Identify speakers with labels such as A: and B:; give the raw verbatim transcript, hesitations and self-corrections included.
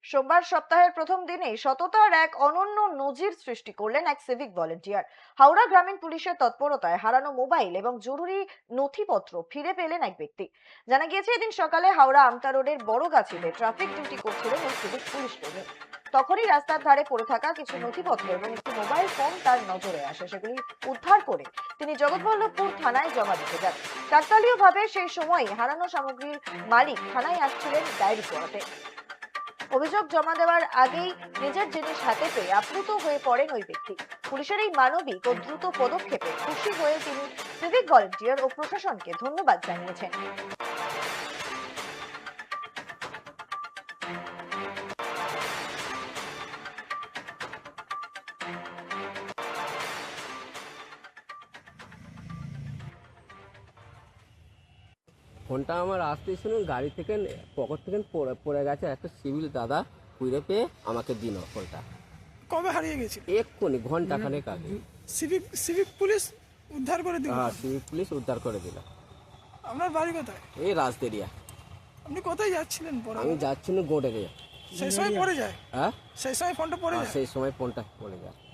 A: সোমবার সপ্তাহের প্রথম দিনেই সততার এক অনন্য নজির সৃষ্টি করলেন এক সিভিক ভলেন্টিয়ার। হাওড়া গ্রামীণ পুলিশের তৎপরতায় হারানো মোবাইল এবং জরুরি নথিপত্র ফিরে পেলেন এক ব্যক্তি। জানা গিয়েছে, এদিন সকালে হাওড়া আমতা রোডের বড়গাছিতে ট্রাফিক ডিউটি করছিলেন ওই সিভিক পুলিশ কর্মী। তখনই রাস্তার ধারে পড়ে থাকা কিছু নথিপত্র এবং একটি মোবাইল ফোন তার নজরে আসে। সেগুলি উদ্ধার করে তিনি জগৎবল্লভপুর থানায় জমা দিতে যান। কাকতালীয়ভাবে সেই সময় হারানো সামগ্রীর মালিক থানায় আসছিলেন ডায়েরি করাতে। অভিযোগ জমা দেওয়ার আগেই নিজের জিনিস হাতে পেয়ে আপ্লুত হয়ে পড়েন ওই ব্যক্তি। পুলিশের এই মানবিক ও দ্রুত পদক্ষেপে খুশি হয়ে তিনি সিভিক ভলেন্টিয়ার ও প্রশাসনকে ধন্যবাদ জানিয়েছেন।
B: ফোনটা আমার আসতেই শুনুন গাড়ি থেকে পকেট থেকে পড়ে পড়ে গেছে, একটা সিভিল দাদা কুইরে পেয়ে আমাকে দিন ফোনটা।
C: কবে হারিয়ে গেছিল?
B: এক্ষুনি ঘন্টা খানেক আগে।
C: সিভিক সিভিক পুলিশ উদ্ধার করে দিল?
B: হ্যাঁ, সিভিক পুলিশ উদ্ধার করে দিল।
C: আপনার বাড়ি কোথায়?
B: এই রাজদেরিয়া।
C: আপনি কোথায় যাচ্ছিলেন পরে?
B: আমি যাচ্ছি না গোডেরিয়া।
C: সেই সময় পড়ে যায়?
B: হ্যাঁ,
C: সেই সময় ফোনটা পড়ে যায়?
B: সেই সময় ফোনটা পড়ে যায়।